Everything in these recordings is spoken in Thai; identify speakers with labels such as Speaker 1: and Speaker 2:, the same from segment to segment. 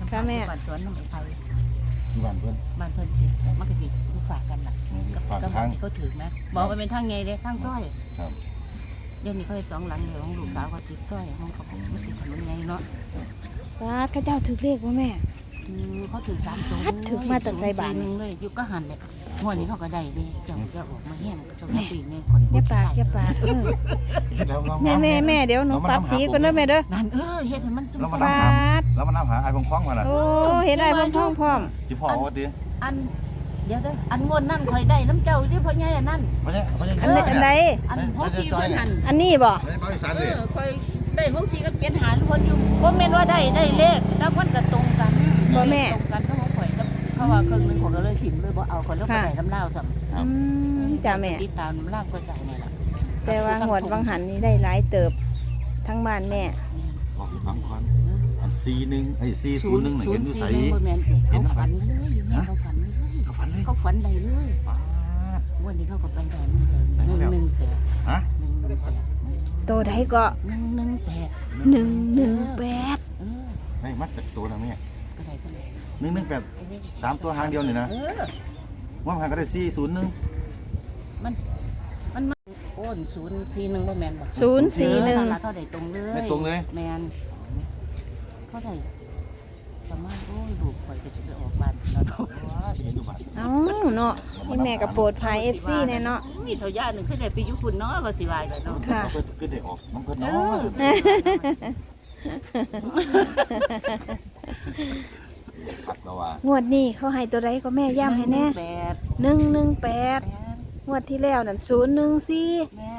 Speaker 1: ค่ะแม่
Speaker 2: บ้านสวนน้ำไม้ไผ่
Speaker 3: บ้านเพิ่น
Speaker 2: บ้านเพิ่นสิมันก็สิอยู่ฝากกันล่ะกับบ้านที่เขาถือไหมบอกว่าเป็นทางไงเด้ทางต้อย
Speaker 3: ครับ
Speaker 2: เดี๋ยวนี้เขาให้สองหลังเดียวของลูกสาวเขาติดต้อยของเขาไม่ติดถนนไงเนาะ
Speaker 1: ว้าข้าเจ้าถือเลขว่าแม่
Speaker 2: เขาถือ3 ตัว
Speaker 1: ถือมาแต่ใส่บาตร
Speaker 2: นึงเลยยุคก็หันเลยหัวนี้เขาก็ได้เลยเจ้าจะออกมาแห้งเจ้าปีเนี่ยคน
Speaker 1: อย่าปากอย่าปากแม่เดี๋ยวหนูปรับสีก่อนเด้อแม่เด้อ
Speaker 2: นั่นเฮ็ดให้มัน
Speaker 3: เรามา
Speaker 1: ป
Speaker 3: นำหา
Speaker 1: าด
Speaker 3: เรามานำหาไอ้พงคล้องมาล่ะ
Speaker 1: โอ้เห็นไอ้พ่อพร้อม
Speaker 3: ที่พ่อว่าติ
Speaker 2: อันเดี๋ยวเด้ออันงวนนั่นคอยได้น้ำเจ้าที่พ่อใหญ่อันนั้น
Speaker 3: บ่ใช่บ่ใช่
Speaker 1: อันใด
Speaker 2: อันพ่อซีเพิ่นหัน
Speaker 1: อันนี้บ่
Speaker 3: ไม่ใช่เบาอีสานเลย
Speaker 2: คอยได้พ่อซีกับเกียนหาทุกคนอยู่บ่แม่นว่าได้เลขแต่มันก็ตรงกันตรงกันก็ของข่อยเขาว่าครึ่งนึงของก็เลยถิ่มเลยบ่เอาคนแล้วไปได้น้ำเล่าซ้ำ
Speaker 1: จ้าแม่
Speaker 2: ติดตามน้ำเล่าก็ใจนี่ล่ะ
Speaker 1: แต่ว่าหวดวังหันนี่ได้หลายเติบทั้งบ้านแม่
Speaker 3: บอกให้ฟังก่อนอัน41ไอ้401น่ะเห็นอยู่ไส
Speaker 2: เขาฝันเลยอยู่นี่เขาฝันเลย
Speaker 3: เขาฝันเลย
Speaker 2: เขาฝันได้เลย
Speaker 3: ฟ้า
Speaker 2: วันนี้เขาก็ไปได้มันเลย118
Speaker 3: ฮะ
Speaker 1: โตได้ก็
Speaker 2: 118
Speaker 1: 118
Speaker 3: ได้มาจากตัวนะแม่
Speaker 2: ก็ได้ซั่น
Speaker 3: 118 3ตัวหางเดียวนี่นะว่ามันก็ได้401
Speaker 2: มันโอน041บ่แม่นบ่
Speaker 1: 041
Speaker 2: เขาได้ตรงเลย
Speaker 3: ได้ตรงเลย
Speaker 2: แม่นเขาได้ประมาณโอ้ยลูกข่อยก็สิไปออกบ้านแล้วเนาะ
Speaker 3: เห็นอยู่บ้าน
Speaker 1: เอ้าเนาะนี่แม่ก็โปรดภัย FC แน่เนาะ
Speaker 2: นี่เท่าย่านึงคือได้ไปอยู่พุ่นเนาะก็สิว่ากันเนาะ
Speaker 1: ค่ะ
Speaker 3: เพิ่นคือได้ออกน้ำเพิ่นเนาะผัดแล้วว่าง
Speaker 1: วดนี้เขาให้ตัวใดก็แม่ย้ำให้แน่ 118งวดที่แล้วนั่น014
Speaker 2: แม่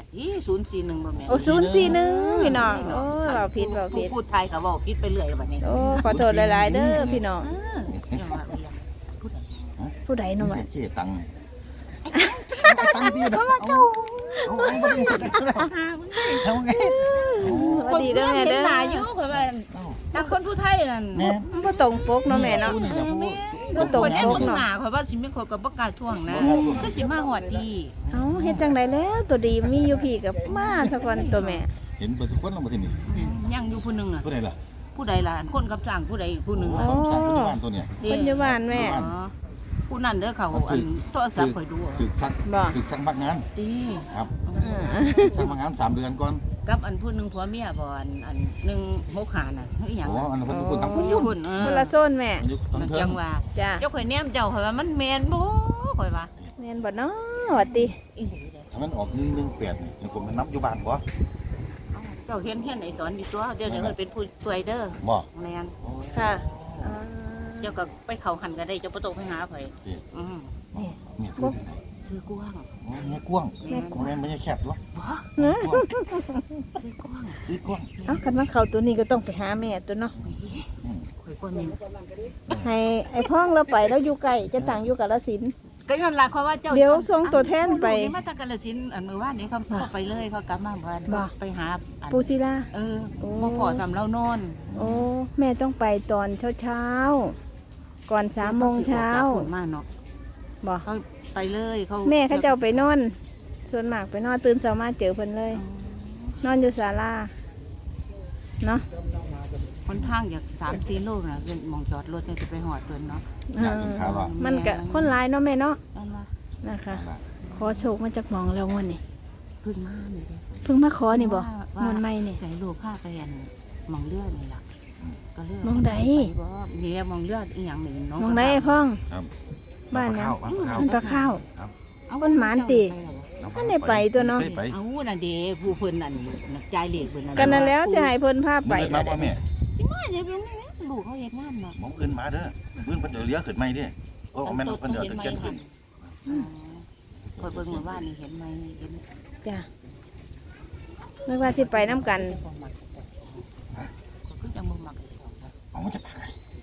Speaker 2: 041บ่แม่น
Speaker 1: โอ้041พี่น้องโอ้เว้าผิด
Speaker 2: พูดไทยก็เว้าผิดไปเรื่อยบัดนี้
Speaker 1: โอ้ขอโทษหลายๆเด้อพี่น้อง
Speaker 2: อย่ามาเรียกพูดอะไร
Speaker 1: ผู้ใดเนาะ
Speaker 3: ไม่
Speaker 1: วะ
Speaker 3: ใช่เจ๊ตังค์ไอ้ตังค์ดีนะเอาบ่ได้เอาไง
Speaker 1: สวัสดีเด้อแม่เด้อ
Speaker 2: หลายอยู่ข่อยว่าจังคนผู้ไทยนั่น
Speaker 3: แม่
Speaker 1: มันบ่ตรงปกเนาะแม่เนาะ บ่ตรง
Speaker 2: คนแอบ
Speaker 1: ปก
Speaker 2: เบิ่ง
Speaker 1: เนาะ
Speaker 2: หน้าข่อยว่าสิมีคนก็บ่กล้าท่วงนะคือสิมาฮอดดี
Speaker 1: เอ้าเฮ็ดจังไดแล้วตัวดีมีอยู่พี่กับมาสักวันตัวแม่
Speaker 3: เห็นเปิดสักคนลงมาที่นี่
Speaker 2: ยังอยู่ผู้หนึงอ่ะ
Speaker 3: ผู้ใดล่ะ
Speaker 2: ผู้ใดล่ะคนกับจ้างผู้ใดผู้หนึง
Speaker 3: ค
Speaker 2: อ่ะ
Speaker 3: นสั่งคนในบ้านตัวเนี่ย
Speaker 1: เพิ่นอยู่บ้านแม่
Speaker 2: อ๋อผู้นั้นเด้อเขาอันโทรศัพท์ข่อยดูอะ
Speaker 3: ตึกซัก
Speaker 1: บ่
Speaker 3: ตึกซักพักงาน
Speaker 2: ดี
Speaker 3: ครับ
Speaker 1: อืม
Speaker 3: ซักพักงาน3 เดือนก่อน
Speaker 2: กับอันผู้หนึงผัวเมียบ่อันหนึง6ขาน่ะเฮ้ยหยัง
Speaker 3: โอ้อันนั้นเพิ่นพูดตั้ง
Speaker 2: ผู้อยู่พุ่น
Speaker 1: คนละโซนแม่
Speaker 3: มันอยู่ตั้ง
Speaker 2: มัน
Speaker 3: เทิ
Speaker 2: จั
Speaker 3: ง
Speaker 2: งว่า
Speaker 1: จ้า
Speaker 2: เจ้าข่อยแนมเจ้าข่อยว่ามันแม่นบ่ข่อยว่า
Speaker 1: แม่นบ่เนาะว่าติ
Speaker 2: อีหลีเด้อ
Speaker 3: ถ้ามันออก118นี่ยังผมมันนับอยู่บ้านบ่
Speaker 2: เจ้าเฮียนไอ้สอนอยู่ตัวเดี๋ยวนี้เพิ่นเป็นผู้ช่วยเด้อ
Speaker 3: บ่
Speaker 2: แม่น
Speaker 1: ค่ะอ่า
Speaker 2: เจ้าก็ไปเข้าหันก็ได้เจ้าบ่ต้องไปหาไผอือ
Speaker 3: นี่มีซื้อที่ไหน
Speaker 2: ซื้อกว้าง
Speaker 3: แม่กว้าง
Speaker 2: แม่น
Speaker 3: แม่ไม่ใช่แคบหรอ
Speaker 2: บ่
Speaker 1: เนอะ
Speaker 2: ซื้อกว้าง
Speaker 3: ซื้อกว้าง
Speaker 1: เอ้าคันว่าเขาตัวนี้ก็ต้องไปหาแม่ตัวเนาะ
Speaker 2: ข่อยก็มี
Speaker 1: ให้ไอ้พ้องเราไปแล้วอยู่ไกลจะต่างอยู่กาฬสินธุ์
Speaker 2: ก็นั่นล่ะเขาว่าเจ้า
Speaker 1: เดี๋ยวส่งตัวแทนไป
Speaker 2: มาตะกาฬสินธุ์อันมื้อวานนี้เขาไปเลยเขากลับมาบ้าน
Speaker 1: บ่
Speaker 2: ไปหาอัน
Speaker 1: ปูศิลา
Speaker 2: โอ้พอสำเรานอน
Speaker 1: โอ้แม่ต้องไปตอนเช้าๆก่อน3 โมงเช้า
Speaker 2: ผลมาเนาะ
Speaker 1: บ่
Speaker 2: เขาไปเลยเขา
Speaker 1: แม่เขาเจ้าไปนอน ส่วนมากไปนอนตื่นเช้ามาเจอเพิ่นเลย นอนอยู่ศาลาเนาะ
Speaker 2: คนทางอยาก3-4 โลน่ะเป็นหมองจอดรถเนี่ยจะไปหอดเพิ่นเนาะ
Speaker 3: อยากกินข้าวหรอ
Speaker 1: มันก็คนหลายเนาะแม่เนาะ
Speaker 2: นั่นล่ะ
Speaker 1: นะคะ ขอโชคมาจากหมองแล้วงวดนี้
Speaker 2: เพิ่งมานี่เด้
Speaker 1: เพิ่งมาขอนี่บ่งวดใหม่นี่
Speaker 2: ใจลูกพาไปอันหมองเลือดนี่ล่ะก็เลือด
Speaker 1: หม้องใด
Speaker 2: บ่นี่หมองเลือดอีหยังนี่น้อง
Speaker 1: หมองใดไอ้พ่อง
Speaker 3: ครับ
Speaker 1: บ้านนะ
Speaker 3: ข้าว
Speaker 1: มันปลาข้าว คนหมานติ ท่านได้ไปตัวเนาะ
Speaker 3: ไป
Speaker 2: เอาน่ะเด้ผู้เพิ่นนั่นจ่ายเลขเพิ่นนั่น
Speaker 1: กันนั่นแล้วจะให้เพิ่นพาไป
Speaker 3: ไปมาบ่แม่
Speaker 2: มาเนี่ยเป็นลูกเขาเฮ็ดงานเนาะ
Speaker 3: หมองอื่นมาเด้อมื้อเพิ่นเดี๋ยวเลี้ยขึ้นใหม่เด้โอ้แม่นเพิ่นเดี๋ยวตะเกียนขึ้น
Speaker 2: คอยเบิ่งเมื่อวานนี่เห็นไหมเห็น
Speaker 1: จ้ะไม่ว่าสิไปน้ำกัน
Speaker 2: บ่มักก็ยังบ่มัก
Speaker 3: เอามันจะปาก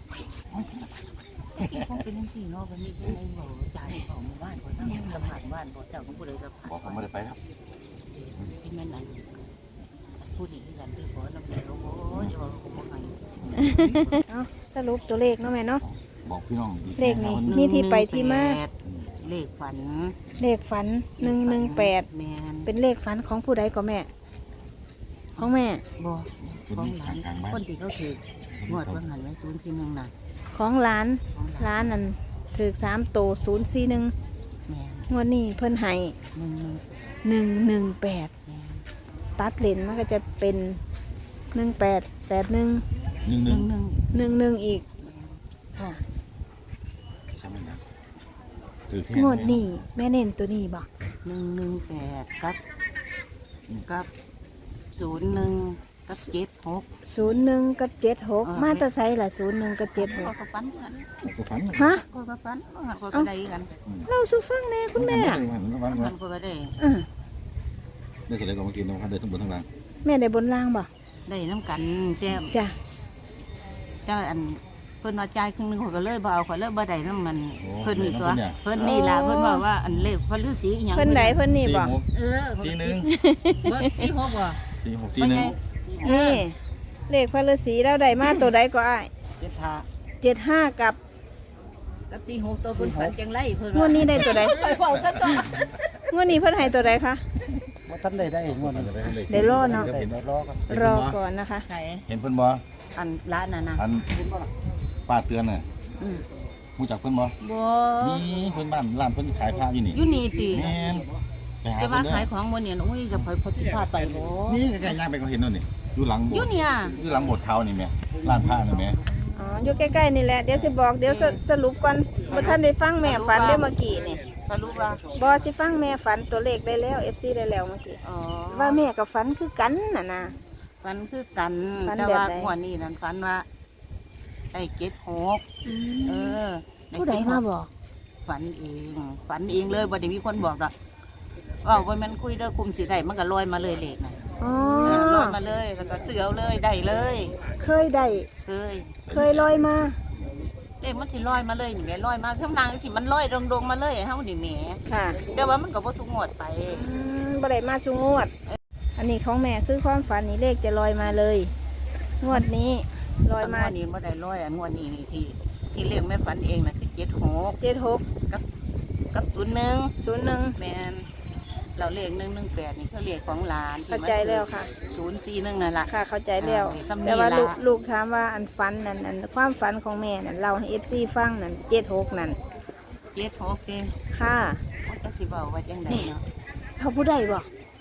Speaker 3: อะไร
Speaker 2: คงเป็นจังซี่เนาะวันนี้เป็นไอ้บ่จ่ายของหมู่บ้านบ่นั่งลำบากบ้านบ่เจ้าของผู้ใดก็
Speaker 3: บอกผมไม่ได้ไปครับ
Speaker 2: เป็นแม่นั่นผู้ดีกันคือบ่นำเดียวบ่อย่าว่าบ่ให้
Speaker 1: เอาสรุปตัวเลขเนาะแม่เนาะ
Speaker 3: บอกพี่น้องดี
Speaker 1: เลขนี้ นี่ที่ไปที่มา
Speaker 2: เลขฝัน
Speaker 1: เลขฝัน118
Speaker 2: แม่น
Speaker 1: เป็นเลขฝันของผู้ใดก็แม่ ของแม่
Speaker 2: บ่
Speaker 3: เป็น
Speaker 2: ของ
Speaker 3: นี่
Speaker 2: หลาน
Speaker 3: กลางบ้าน
Speaker 2: คนที่เขาถือ
Speaker 3: ค
Speaker 2: งวดว่าหันไว้041น่ะ
Speaker 1: ของร้านนั่นถือ3โต041
Speaker 2: แม่น
Speaker 1: งวดนี้เพิ่นให้
Speaker 2: 118
Speaker 1: 118
Speaker 2: แม่น
Speaker 1: ตัดเลนมันก็จะเป็น1881
Speaker 3: 1
Speaker 1: 11อีกค่ะ
Speaker 3: ใช่ไหมนะถือแค่
Speaker 1: งวดนี้แม่เน้นตัวนี้บ่
Speaker 2: 118กับ01กับ76
Speaker 1: 01กับ76มาแตะไสล่ะ01กับ
Speaker 2: ก็
Speaker 1: 76
Speaker 2: ก็ฟันกัน
Speaker 3: ก็ฝัน
Speaker 1: ฮะ
Speaker 2: ก็ฟันก็ได้กัน
Speaker 1: เราสู่ฟังแน่คุณแม่
Speaker 3: ฝัน
Speaker 2: มันก็ได้
Speaker 3: ได้เสร็จแล้วก็มากินนะครับเดินทั้งบนทั้งล่าง
Speaker 1: แม่ได้บนล่างบ่
Speaker 2: ได้น้ำกันแจ้ม
Speaker 1: จ้ะ
Speaker 2: เจ้าอันเพิ่นว่าจ่ายครึ่งนึงเขาก็เลยบ่เอาเขาเลยบ่ได้น้ำมันเพิ่นนี่ตัวเพิ่นนี่ล่ะเพิ่นว่าว่าอันเลขพระฤาษีอีหยัง
Speaker 1: เพิ่นไหนเพิ่นนี่บ่
Speaker 2: เออ
Speaker 3: 41
Speaker 2: บ่ที่6บ่
Speaker 3: 46 41
Speaker 1: นี่เลขพระฤาษีเราได้มาตัวใดก็อ้าย 75กับ
Speaker 2: กับ46ตัวเพิ่นฝันจังไรเพิ่น
Speaker 1: งวดนี้ได้ตัวใด
Speaker 2: ไปเว้าซะจ้ะ
Speaker 1: งวดนี้เพิ่นให้ตัวใดคะ
Speaker 4: ว่าท่านได้งวดนี้
Speaker 1: ได้รอเนาะ
Speaker 4: ได้รอกัน
Speaker 1: รอก่อนนะคะ
Speaker 2: ไหน
Speaker 3: เห็นเพิ่นบ่
Speaker 2: อันร้านน่ะนะ
Speaker 3: อันป้าเตือนน่ะ
Speaker 2: อืม
Speaker 3: รู้จักเพิ่นบ่
Speaker 2: บ่
Speaker 3: มีเพิ่นบ้านร้านเพิ่นขายผ้าอยู่นี่
Speaker 2: อยู่นี่ติ
Speaker 3: แม่นไปหา
Speaker 2: จะ
Speaker 3: เพิ่
Speaker 2: ว่าน
Speaker 3: เด้
Speaker 2: ขาย
Speaker 3: อ
Speaker 2: ของบ่เนี่ยโอ้ยจะพสิพาไปบ่
Speaker 3: นี่ใกล้ๆย่างไปก็เห็นนั่นนี่อยู่หลังโบ
Speaker 2: อ
Speaker 3: ส
Speaker 2: ยู่
Speaker 3: ถ์
Speaker 2: เนี่ย
Speaker 3: อยู่หลังโบสถ์เขานี่แม่ร้านผ้านี่แม่
Speaker 1: อ๋ออยู่ใกล้ๆนี่แหละเดี๋ยวสิบอกเดี๋ยวสรุปก่อนบ่ทันได้ฟังแม่ฝันเด้อเมื่อกี้นี่
Speaker 2: สรุปว่า
Speaker 1: บ่สิฟังแม่ฝันตัวเลขได้แล้ว FC ได้แล้วเมื่อกี้
Speaker 2: อ๋อ
Speaker 1: ว่าแม่กับฝันคือกันน่ะนะ
Speaker 2: ฝันคือกัน
Speaker 1: ฝัน
Speaker 2: แต่
Speaker 1: แบบ
Speaker 2: ว่า
Speaker 1: ใด
Speaker 2: หัวดนี้นั่นฝันว่าได้76เออ
Speaker 1: ผู้ใดมาบอก
Speaker 2: ฝันเองเลยบ่ได้มีคนบอกดอกว่าบ่แม่นคุยเด้อกลุ่มสิได้มันก็ลอยมาเลยเลขน่ะ
Speaker 1: อ๋อ
Speaker 2: ลอยมาเลยแล้วก็เสือเอาเลยได้เลย
Speaker 1: เคยได้
Speaker 2: เคย
Speaker 1: ลอยมา
Speaker 2: เลขมันสิลอยมาเลยนี่แหม่ลอยมาข้างล่างสิมันลอยดงๆมาเลยเฮานี่แหม่
Speaker 1: ค่ะ
Speaker 2: แต่ว่ามันก็บ่ทุกงวดไป
Speaker 1: บ่ได้มาสุงวด อันนี้ของแม่คือความฝันนี่เลขจะลอยมาเลย งวดนี้ลอยมา
Speaker 2: งวดนี้บ่ได้ลอยอันงวดนี้นี่ที่เลขแม่ฝันเองน่ะคือ76
Speaker 1: 76
Speaker 2: กับ01
Speaker 1: 01
Speaker 2: แม่นเราเลข118นี่คือเลขของหลานที่
Speaker 1: เข้าใจแล้วค่ะ
Speaker 2: 041นั่นล่ะ
Speaker 1: ค่ะเข้าใจแล้ว
Speaker 2: ซ้ำนี่
Speaker 1: แต่ว่า
Speaker 2: ล่ะ
Speaker 1: ลูกถามว่าอันฝันนั่นอันความฝันของแม่นั่นเราให้ FC ฟังนั่น76นั่น
Speaker 2: 76เด้
Speaker 1: ค่ะ
Speaker 2: มันก็สิเว้าว่าจังไดเนาะ
Speaker 1: เขาผู้ใดบอก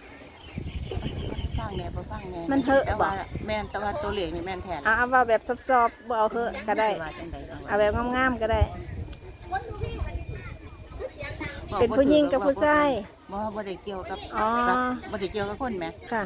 Speaker 2: ฟังแน่บ่ฟังแน่
Speaker 1: มันเถอะ
Speaker 2: แต่ว่า
Speaker 1: บ่
Speaker 2: แม่นแต่ว่าตัวเลขนี่แม่นแท้
Speaker 1: เอาว่าแบบซอบๆบ่เอาเถอะก็ได้
Speaker 2: ว่าจังใด
Speaker 1: เอาแบบงามๆก็ได้ เป็นผู้หญิงกับผู้ชาย
Speaker 2: บ่ได้เกี่ยวกับ
Speaker 1: อ๋อ
Speaker 2: บ่ได้เกี่ยวกับคนแหม
Speaker 1: ค่ะ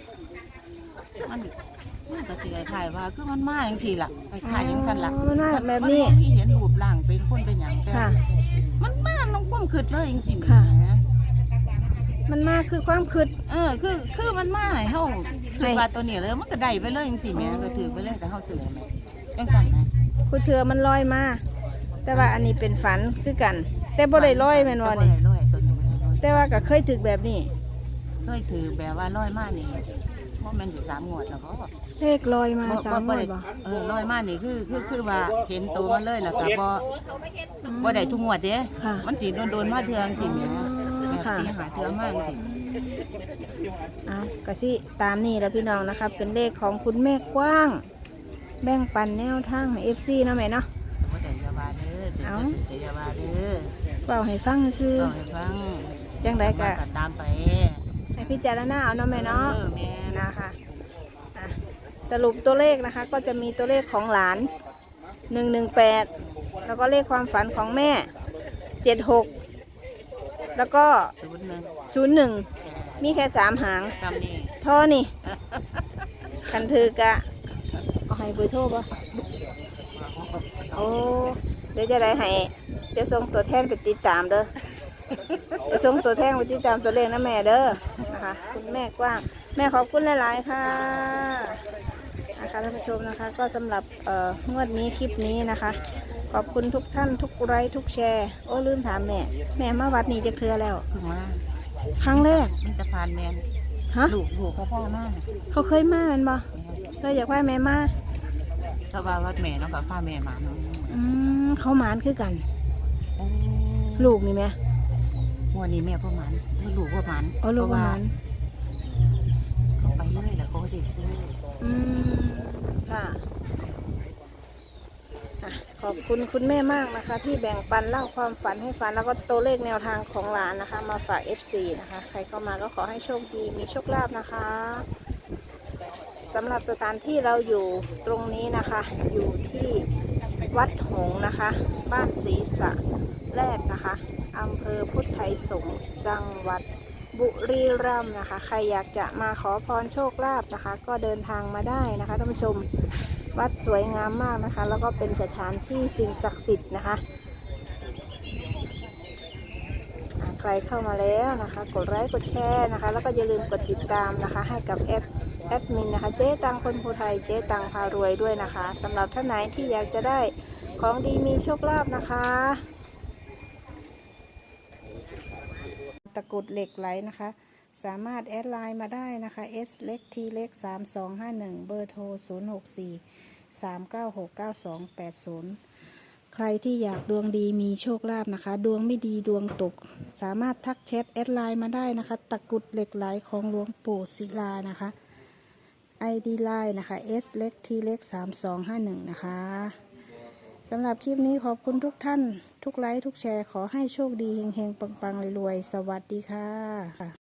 Speaker 2: มันก็สิคล้ายๆว่าคือมันมาจังซี่ล่ะคล้ายๆจังซั่นล่ะ
Speaker 1: มันมาแบบนี้
Speaker 2: มับ่มีเห็นรูปร่างเป็นคนเป็นหยังแต่
Speaker 1: ค่ะ
Speaker 2: มันมาน้องความคิดเลยจังซี่แหม
Speaker 1: ค่ะ มันมาคือความคืด
Speaker 2: คือมันมาให้เฮา
Speaker 1: ให้
Speaker 2: คือว่าตัวนี้เลยมันก็ได้ไปเลยจังซี่แหมก็ถือไปเลยแต่เฮาซื้อแหมจังซั่นนะ
Speaker 1: คือเถือมันลอยมา แต่ว่าอันนี้เป็นฝันคือกัน แต่บ่ได้ลอยแม่นบ่
Speaker 2: แต่
Speaker 1: นี่
Speaker 2: ได้ลอยตัวนี้บ่ได้ลอย
Speaker 1: แต่ว่าก็เคยถึกแบบนี้
Speaker 2: เคยถือแบบว่าลอยมานี่ว่ามันสิ3งวดแล้วบ่
Speaker 1: เลขลอยมาสามงวดบ่
Speaker 2: ลอยมานี่คือว่าเห็นตัวมันเลยแล้วก็บ่ได้ทุกงวดเด้
Speaker 1: ค่ะ
Speaker 2: มันสิโดนๆมาเทื่อจังซี่แหมแบบ
Speaker 1: ค่ะ
Speaker 2: สิหาเทื่อมาจังซี่
Speaker 1: เอาก็สิตามนี่แล้วพี่น้องนะคะเป็นเลขของคุณแม่กว้าง แบ่งปันแนวทางให้ FC เนาะแม่เนาะ
Speaker 2: บ่ได้อยาว่าเด้อถือ
Speaker 1: เอ้า
Speaker 2: แต่อยาว่าเด้อ
Speaker 1: เว้าให้ฟังซื่อ
Speaker 2: เล่าให้ฟัง
Speaker 1: จังไดก็
Speaker 2: ก็ตามไป
Speaker 1: ให้พิจารณาเอาเนาะแม่เนาะ
Speaker 2: แม่น
Speaker 1: นะคะอ่ะสรุปตัวเลขนะคะก็จะมีตัวเลขของหลาน118แล้วก็เลขความฝันของแม่76แล้วก็ 01มีแค่3หาง
Speaker 2: ตามนี้
Speaker 1: เท่อนี่ คันถือกะเอาให้เบอร์โทรป่ะโอ้เดี๋ยวจะได้ให้เดี๋ยวส่งตัวแทนไปติดตามเด้อเดี๋ยวส่งตัวแทนไปติดตามตัวเลขนะแม่เด้อนะคะคุณแม่กว้าง แม่ขอบคุณหลายๆค่ะนะคะท่านผู้ชมนะคะ ก็สำหรับงวดนี้คลิปนี้นะคะ ขอบคุณทุกท่านทุกไลค์ทุกแชร์โอ้ลืมถามแม่ แม่มาวัดนี้จะเทือแล้ว
Speaker 2: เพิ่งมา
Speaker 1: ครั้งแรก
Speaker 2: มันจะผ่านแม่น
Speaker 1: ฮะ
Speaker 2: ลูกเขาพ่อมา
Speaker 1: เขาเคยมาแมันบ่เราอยากว่าแม่มา
Speaker 2: ถ้าว่าวัดแม่เนาะก็พาแม่มาเนาะ
Speaker 1: เขาหมานคือกัน ลูกนี่ไหม
Speaker 2: วันนี้แม่พ่อหมันลูกพ่อหมัน
Speaker 1: อ๋อลูกหมาน
Speaker 2: เขาไปเรื่อยแล้วเขาก็ได้ซื้อ
Speaker 1: อืมค่ะขอบคุณคุณแม่มากนะคะ ที่แบ่งปันเล่าความฝันให้ฟังแล้วก็ตัวเลขแนวทางของหลานนะคะ มาฝาก FC นะคะ ใครเข้ามาก็ขอให้โชคดีมีโชคลาภนะคะสำหรับสถานที่เราอยู่ตรงนี้นะคะ อยู่ที่วัดหงส์นะคะ บ้านศรีสะแรกนะคะอำเภอพุทธไทยสงฆ์จังหวัดบุรีรัมย์นะคะ ใครอยากจะมาขอพรโชคลาภนะคะ ก็เดินทางมาได้นะคะท่านผู้ชมวัดสวยงามมากนะคะ แล้วก็เป็นสถานที่สิ่งศักดิ์สิทธิ์นะคะใครเข้ามาแล้วนะคะกดไลค์กดแชร์นะคะแล้วก็อย่าลืมกดติดตามนะคะให้กับแอดมินนะคะเจ๊ตังคนภูไทยเจ๊ตังพารวยด้วยนะคะสำหรับท่านไหนที่อยากจะได้ของดีมีโชคลาภนะคะตะกรุดเหล็กไหลนะคะสามารถแอดไลน์มาได้นะคะ S เล็ก T เล็ก3251เบอร์โทร0643969280ใครที่อยากดวงดีมีโชคลาภนะคะดวงไม่ดีดวงตกสามารถทักแชทแอดไลน์มาได้นะคะตะกรุดเหล็กไหลของหลวงปู่ศิลานะคะ ID ไลน์นะคะ S เล็ก T เล็ก3251นะคะสำหรับคลิปนี้ขอบคุณทุกท่านทุกไลค์ทุกแชร์ขอให้โชคดีเฮงๆปังๆรวยๆสวัสดีค่ะ